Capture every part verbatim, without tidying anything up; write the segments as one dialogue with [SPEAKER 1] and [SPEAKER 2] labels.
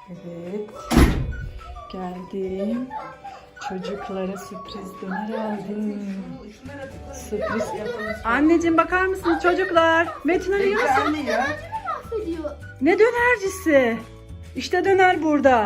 [SPEAKER 1] Evet. Geldim. Çocuklara sürpriz döner aldım. Sürpriz. Anneciğim bakar mısınız çocuklar? Metin Ali nasıl? Ne dönercisi? İşte döner burada.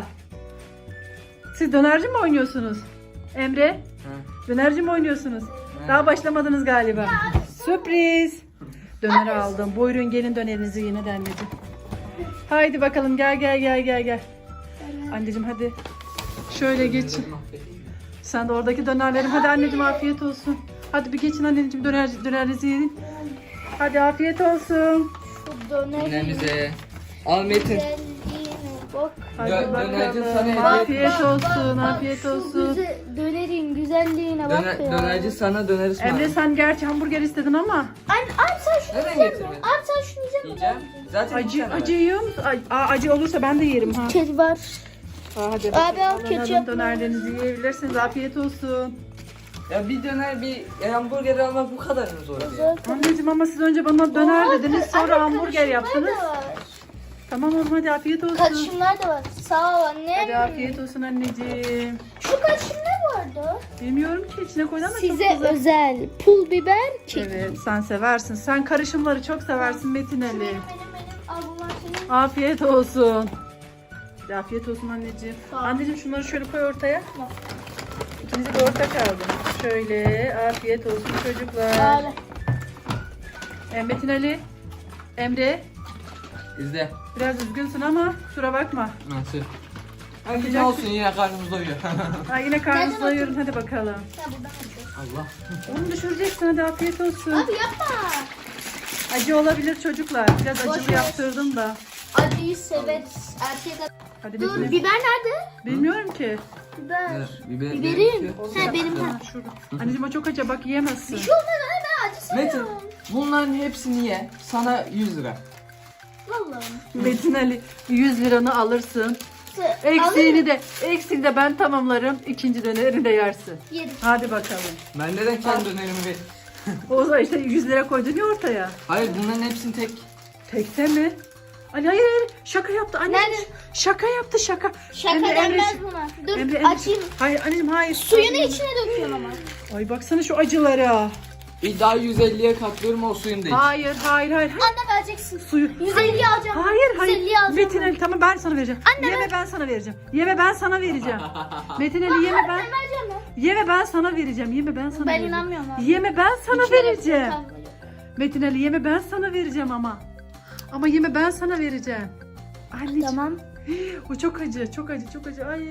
[SPEAKER 1] Siz dönerci mi oynuyorsunuz? Emre? Hı. Dönerci mi oynuyorsunuz? Hı. Daha başlamadınız galiba. Ya, sürpriz. Döner aldım. Buyurun gelin dönerinizi yine de anneciğim. Haydi bakalım gel gel gel gel gel. Anneciğim hadi. Şöyle geçin. Sen de oradaki dönerlerim. Hadi anneciğim afiyet olsun. Hadi bir geçin anneciğim döner, dönerinizi yiyin. Hadi afiyet olsun.
[SPEAKER 2] Dönerimize. Al Metin.
[SPEAKER 1] Hadi
[SPEAKER 2] Dö
[SPEAKER 1] bakalım.
[SPEAKER 2] sana
[SPEAKER 1] Afiyet olsun, afiyet olsun.
[SPEAKER 3] Güzel, dönerin güzelliğine bak
[SPEAKER 2] Döner,
[SPEAKER 3] ya.
[SPEAKER 2] dönerci sana döner ısmarladı.
[SPEAKER 1] Emre sen gerçi hamburger istedin ama.
[SPEAKER 3] Anne, anne sen şunu
[SPEAKER 2] Neden
[SPEAKER 3] yiyecek misin?
[SPEAKER 2] getirdin?
[SPEAKER 3] Anne sen şunu yiyecek misin?
[SPEAKER 2] Yiyeceğim. Zaten
[SPEAKER 1] Acı,
[SPEAKER 2] acı
[SPEAKER 1] acı yiyor musun? Ay, aa, acı olursa ben de yerim ha.
[SPEAKER 3] Kedi var.
[SPEAKER 1] Aa, hadi
[SPEAKER 3] Abi al,
[SPEAKER 1] alın,
[SPEAKER 3] ketçap
[SPEAKER 1] alın,
[SPEAKER 3] var.
[SPEAKER 1] dönerlerinizi yiyebilirsiniz. Afiyet olsun.
[SPEAKER 2] Ya bir döner bir hamburger almak bu kadar mı zor? Ya?
[SPEAKER 3] Zaten.
[SPEAKER 1] Anneciğim ama siz önce bana döner dediniz sonra
[SPEAKER 3] Anne,
[SPEAKER 1] hamburger
[SPEAKER 3] karışımlar
[SPEAKER 1] yaptınız.
[SPEAKER 3] da var.
[SPEAKER 1] Tamam oğlum hadi afiyet olsun.
[SPEAKER 3] Karışımlar da var. Sağ ol anne.
[SPEAKER 1] Hadi afiyet olsun anneciğim.
[SPEAKER 3] Şu karışım ne vardı?
[SPEAKER 1] Bilmiyorum ki içine koydun ama çok
[SPEAKER 3] Size
[SPEAKER 1] güzel.
[SPEAKER 3] özel pul biber kek.
[SPEAKER 1] Evet sen seversin. Sen karışımları çok seversin Metin Ali.
[SPEAKER 3] Benim benim benim. Al bunlar senin.
[SPEAKER 1] Afiyet olsun. Hadi afiyet olsun anneciğim.
[SPEAKER 3] Sağ ol.
[SPEAKER 1] Anneciğim şunları şöyle koy ortaya. İkinize de orta kaldı. Şöyle afiyet olsun çocuklar.
[SPEAKER 3] Böyle.
[SPEAKER 1] E, Metin Ali, Emre
[SPEAKER 2] İzle.
[SPEAKER 1] biraz üzgünsün ama kusura bakma.
[SPEAKER 2] Nasıl? Hadi ne olsun yine karnımız doyuyor.
[SPEAKER 1] Ha, yine karnınızı
[SPEAKER 3] Nereden
[SPEAKER 1] doyurun hadi bakalım.
[SPEAKER 3] Ya buradan açıyor.
[SPEAKER 2] Allah.
[SPEAKER 1] Onu düşüreceksin hadi afiyet olsun.
[SPEAKER 3] Abi yapma.
[SPEAKER 1] Acı olabilir çocuklar. Biraz
[SPEAKER 3] Boş
[SPEAKER 1] acılı
[SPEAKER 3] ver.
[SPEAKER 1] yaptırdım da.
[SPEAKER 3] Acıyı severiz. Erkek ad-
[SPEAKER 1] Hadi
[SPEAKER 3] Dur
[SPEAKER 1] Metin Ali.
[SPEAKER 3] biber nerede?
[SPEAKER 1] Bilmiyorum ki.
[SPEAKER 3] Biber.
[SPEAKER 2] Biber,
[SPEAKER 3] Biberim.
[SPEAKER 2] biber-
[SPEAKER 3] He benim
[SPEAKER 1] Ha,
[SPEAKER 3] ha.
[SPEAKER 1] şurada. Anneciğim o çok acı bak yiyemezsin.
[SPEAKER 3] Şu olmadı ben acı
[SPEAKER 2] Metin
[SPEAKER 3] seviyorum.
[SPEAKER 2] bunların hepsini ye. Sana yüz lira.
[SPEAKER 3] Vallahi.
[SPEAKER 1] Metin Ali yüz liranı alırsın.
[SPEAKER 3] Se-
[SPEAKER 1] Eksiğini
[SPEAKER 3] alırım.
[SPEAKER 1] de eksiğini de ben tamamlarım. İkinci dönerini de yersin.
[SPEAKER 3] Yerim.
[SPEAKER 1] Hadi bakalım.
[SPEAKER 2] Ben neden kendi dönerimi ver?
[SPEAKER 1] O zaman işte yüz lira koydun ya ortaya.
[SPEAKER 2] Hayır bunların hepsini tek.
[SPEAKER 1] Tekte mi? Ali hayır hayır şaka yaptı anne.
[SPEAKER 3] Nerede?
[SPEAKER 1] Şaka yaptı şaka.
[SPEAKER 3] Şaka
[SPEAKER 1] Emre,
[SPEAKER 3] denmez
[SPEAKER 1] Emre,
[SPEAKER 3] buna. Dur
[SPEAKER 1] Emre, Emre.
[SPEAKER 3] açayım.
[SPEAKER 1] Hayır anneciğim hayır.
[SPEAKER 3] Suyunu içine döküyorum ama.
[SPEAKER 1] Ay baksana şu acılara.
[SPEAKER 2] Bir daha yüz elliye katlıyorum o suyunu da iç.
[SPEAKER 1] Hayır hayır hayır. hayır.
[SPEAKER 3] Anne vereceksin.
[SPEAKER 1] Suyu.
[SPEAKER 3] yüz elli alacağım.
[SPEAKER 1] Hayır hayır.
[SPEAKER 3] yüz elli alacağım.
[SPEAKER 1] Metin Ali tamam ben sana vereceğim.
[SPEAKER 3] Anne,
[SPEAKER 1] yeme ben sana vereceğim. Yeme ben sana vereceğim. Metin Ali yeme ben.
[SPEAKER 3] Ben vereceğim ya.
[SPEAKER 1] Yeme ben sana vereceğim. Yeme ben sana
[SPEAKER 3] Ben
[SPEAKER 1] vereceğim.
[SPEAKER 3] inanmıyorum abi.
[SPEAKER 1] Yeme ben sana
[SPEAKER 3] İçine
[SPEAKER 1] vereceğim.
[SPEAKER 3] döküyorum.
[SPEAKER 1] Metin Ali yeme ben sana vereceğim ama. Ama yeme ben sana vereceğim. Anneciğim.
[SPEAKER 3] Tamam.
[SPEAKER 1] O çok acı, çok acı, çok acı. Ay.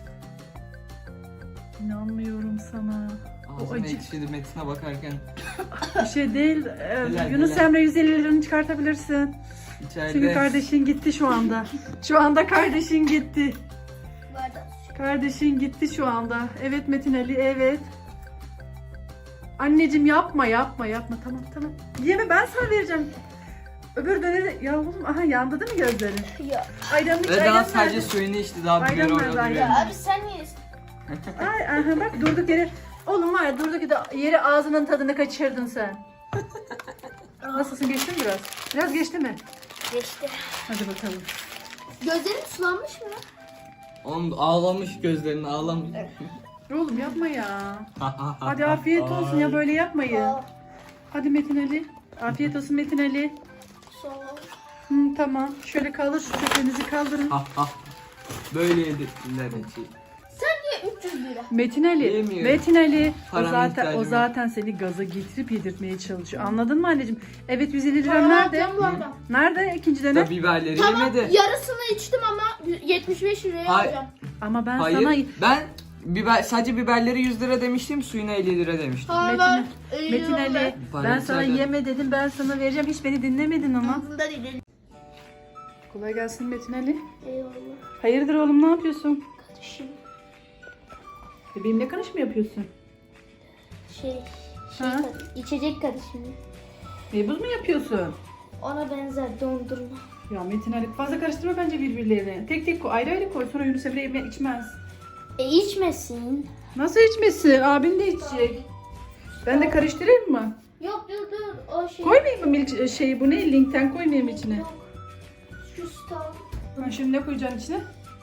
[SPEAKER 1] İnanmıyorum sana. O
[SPEAKER 2] Ağzım
[SPEAKER 1] acı.
[SPEAKER 2] ekşidi Metin'e bakarken.
[SPEAKER 1] Bir şey değil. Ee,
[SPEAKER 2] Helal,
[SPEAKER 1] Yunus
[SPEAKER 2] helal.
[SPEAKER 1] Emre yüz elli liranı çıkartabilirsin.
[SPEAKER 2] İçeride.
[SPEAKER 1] Çünkü kardeşin gitti şu anda. Şu anda kardeşin gitti.
[SPEAKER 3] Bardak.
[SPEAKER 1] Kardeşin gitti şu anda. Evet Metin Ali, evet. Anneciğim yapma, yapma, yapma. Tamam, tamam. Yeme ben sana vereceğim. Öbür döneri... Ya oğlum, aha yandı değil mi gözlerin?
[SPEAKER 3] Ya.
[SPEAKER 1] Ayranı iç,
[SPEAKER 2] Ve
[SPEAKER 1] ayran
[SPEAKER 2] daha sadece
[SPEAKER 1] nerede?
[SPEAKER 2] suyunu içti daha biber
[SPEAKER 1] Ayran
[SPEAKER 2] orada
[SPEAKER 1] nerede,
[SPEAKER 2] duruyor.
[SPEAKER 1] ayran?
[SPEAKER 3] Abi sen yiyorsun.
[SPEAKER 1] Ay, aha bak durduk yere. Oğlum var ya durduk yere, yere ağzının tadını kaçırdın sen. Nasılsın geçti mi biraz? Biraz geçti mi?
[SPEAKER 3] Geçti.
[SPEAKER 1] Hadi bakalım.
[SPEAKER 3] Gözlerin sulanmış mı?
[SPEAKER 2] Oğlum ağlamış gözlerini ağlamış.
[SPEAKER 1] Oğlum yapma ya. Hadi afiyet olsun ya böyle yapmayın.
[SPEAKER 3] Aa,
[SPEAKER 1] Hadi Metin Ali. Afiyet olsun Metin Ali.
[SPEAKER 3] sağ ol.
[SPEAKER 1] Hı, tamam. Şöyle kaldır şu çöplerinizi kaldırın.
[SPEAKER 2] Ha ha. Böyle yedirdiler içi.
[SPEAKER 3] Sen niye üç yüz lira?
[SPEAKER 1] Metin Ali.
[SPEAKER 2] Yemiyorum.
[SPEAKER 1] Metin Ali. O
[SPEAKER 2] Param
[SPEAKER 1] zaten
[SPEAKER 2] ihtiyacım
[SPEAKER 1] o
[SPEAKER 2] yok.
[SPEAKER 1] zaten seni gaza getirip yedirtmeye çalışıyor. Anladın mı anneciğim? Evet yüz elli lira
[SPEAKER 3] Tamam,
[SPEAKER 1] nerede?
[SPEAKER 3] alacağım bu arada.
[SPEAKER 1] Nerede ikinci dönem?
[SPEAKER 2] Da biberleri
[SPEAKER 3] Tamam
[SPEAKER 2] yemedi.
[SPEAKER 3] yarısını içtim ama yetmiş beş liraya
[SPEAKER 2] Hayır.
[SPEAKER 3] alacağım.
[SPEAKER 1] Ama ben
[SPEAKER 2] Hayır.
[SPEAKER 1] sana
[SPEAKER 2] Ben biber sadece biberleri yüz lira demiştim, suyuna elli lira demiştim.
[SPEAKER 3] Hayır
[SPEAKER 1] Metin,
[SPEAKER 3] ben elli
[SPEAKER 1] Metin
[SPEAKER 3] lira
[SPEAKER 1] Ali
[SPEAKER 3] ver.
[SPEAKER 2] Bana
[SPEAKER 1] ben sana
[SPEAKER 2] müsaade.
[SPEAKER 1] yeme dedim ben sana vereceğim hiç beni dinlemedin ama.
[SPEAKER 3] Ağzında değil.
[SPEAKER 1] Kolay gelsin Metin Ali.
[SPEAKER 3] Eyvallah.
[SPEAKER 1] Hayırdır oğlum ne yapıyorsun?
[SPEAKER 3] Kardeşim.
[SPEAKER 1] Bebeğimle kanış mı yapıyorsun?
[SPEAKER 3] Şey, şey
[SPEAKER 1] Ha?
[SPEAKER 3] kardeşim, içecek kardeşim.
[SPEAKER 1] Meybuz mu yapıyorsun?
[SPEAKER 3] Ona benzer dondurma.
[SPEAKER 1] Ya Metin Ali fazla karıştırma bence birbirlerini. Tek tek koy ayrı ayrı koy sonra Yunus Emre yeme- içmez.
[SPEAKER 3] E içmesin.
[SPEAKER 1] Nasıl içmesin? Abin de içecek. Ben de karıştırayım mı?
[SPEAKER 3] Yok dur dur o şey.
[SPEAKER 1] Koymayayım mı milk şeyi bu ne? Linkten koymayayım içine.
[SPEAKER 3] Yok. Şu stal.
[SPEAKER 1] Ha, şimdi ne koyacaksın içine?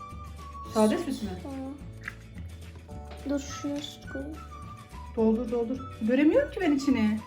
[SPEAKER 1] Sade süt mü?
[SPEAKER 3] Aa. Dur şuna süt koyayım.
[SPEAKER 1] Doldur doldur. Göremiyorum ki ben içini.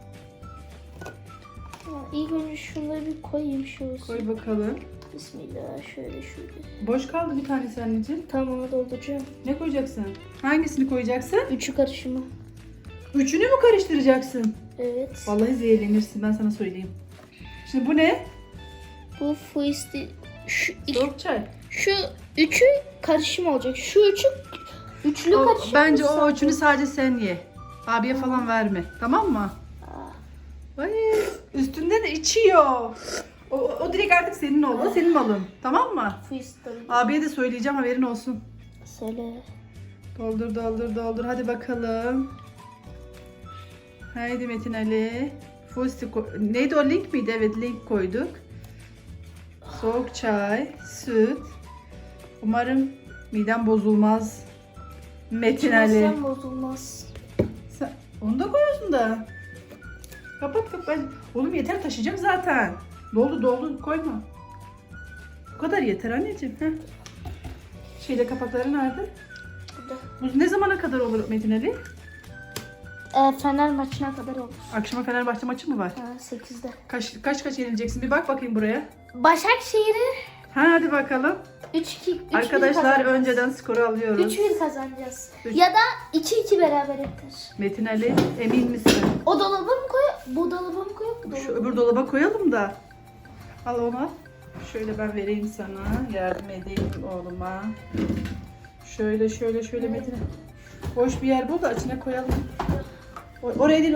[SPEAKER 3] Aa, İlk önce şunları bir koyayım şu olsun.
[SPEAKER 1] Koy bakalım.
[SPEAKER 3] Bismillah şöyle şöyle.
[SPEAKER 1] Boş kaldı bir tanesi anneciğim.
[SPEAKER 3] Tamam onu dolduracağım.
[SPEAKER 1] Ne koyacaksın? Hangisini koyacaksın?
[SPEAKER 3] Üçü karışımı.
[SPEAKER 1] Üçünü mü karıştıracaksın?
[SPEAKER 3] Evet.
[SPEAKER 1] Vallahi zehirlenirsin, ben sana söyleyeyim. Şimdi bu ne?
[SPEAKER 3] Bu fuisti şu iki,
[SPEAKER 1] Soğuk çay.
[SPEAKER 3] şu üçü karışım olacak. Şu üçü üçlü
[SPEAKER 1] O-
[SPEAKER 3] karışım.
[SPEAKER 1] bence
[SPEAKER 3] olsa-
[SPEAKER 1] o üçünü sadece sen ye. Abiye falan verme. Tamam mı? Ay, üstünde de içiyor. O, o direkt artık senin oldu. Senin malın. Tamam mı?
[SPEAKER 3] Fuisti.
[SPEAKER 1] Abiye de söyleyeceğim, haberin olsun.
[SPEAKER 3] Söyle.
[SPEAKER 1] Doldur doldur doldur. Hadi bakalım. Haydi Metin Ali. Fusti ko- neydi o, link miydi? Evet, link koyduk. Soğuk çay, süt. Umarım midem bozulmaz. Metin Ali.
[SPEAKER 3] İçmezsen bozulmaz.
[SPEAKER 1] Sen, onu da koyuyorsun da. Kapat kapat. Oğlum yeter, taşıyacağım zaten. Doldu doldu, koyma. Bu kadar yeter anneciğim. Heh. Şeyde kapakları nerede?
[SPEAKER 3] Burada.
[SPEAKER 1] Bu ne zamana kadar olur Metin Ali?
[SPEAKER 3] E, Fener maçına kadar olur.
[SPEAKER 1] Akşama Fenerbahçe maçı mı var?
[SPEAKER 3] Ha, sekizde.
[SPEAKER 1] Kaç kaç kaç yenileceksin? Bir bak bakayım buraya.
[SPEAKER 3] Başakşehir'i
[SPEAKER 1] Ha, hadi bakalım.
[SPEAKER 3] üç iki
[SPEAKER 1] Arkadaşlar önceden skoru alıyoruz.
[SPEAKER 3] üç bir kazanacağız.
[SPEAKER 1] Üç.
[SPEAKER 3] Ya da iki iki beraber biter.
[SPEAKER 1] Metin Ali, emin misin?
[SPEAKER 3] O dolaba mı koy? Bu dolaba mı koy? Bu dolaba
[SPEAKER 1] Şu
[SPEAKER 3] mı?
[SPEAKER 1] öbür dolaba koyalım da. Al onu al. Şöyle ben vereyim sana. Yardım edeyim oğluma. Şöyle şöyle şöyle Metin Ali. Boş bir yer bul da içine koyalım. O- Oraya değil.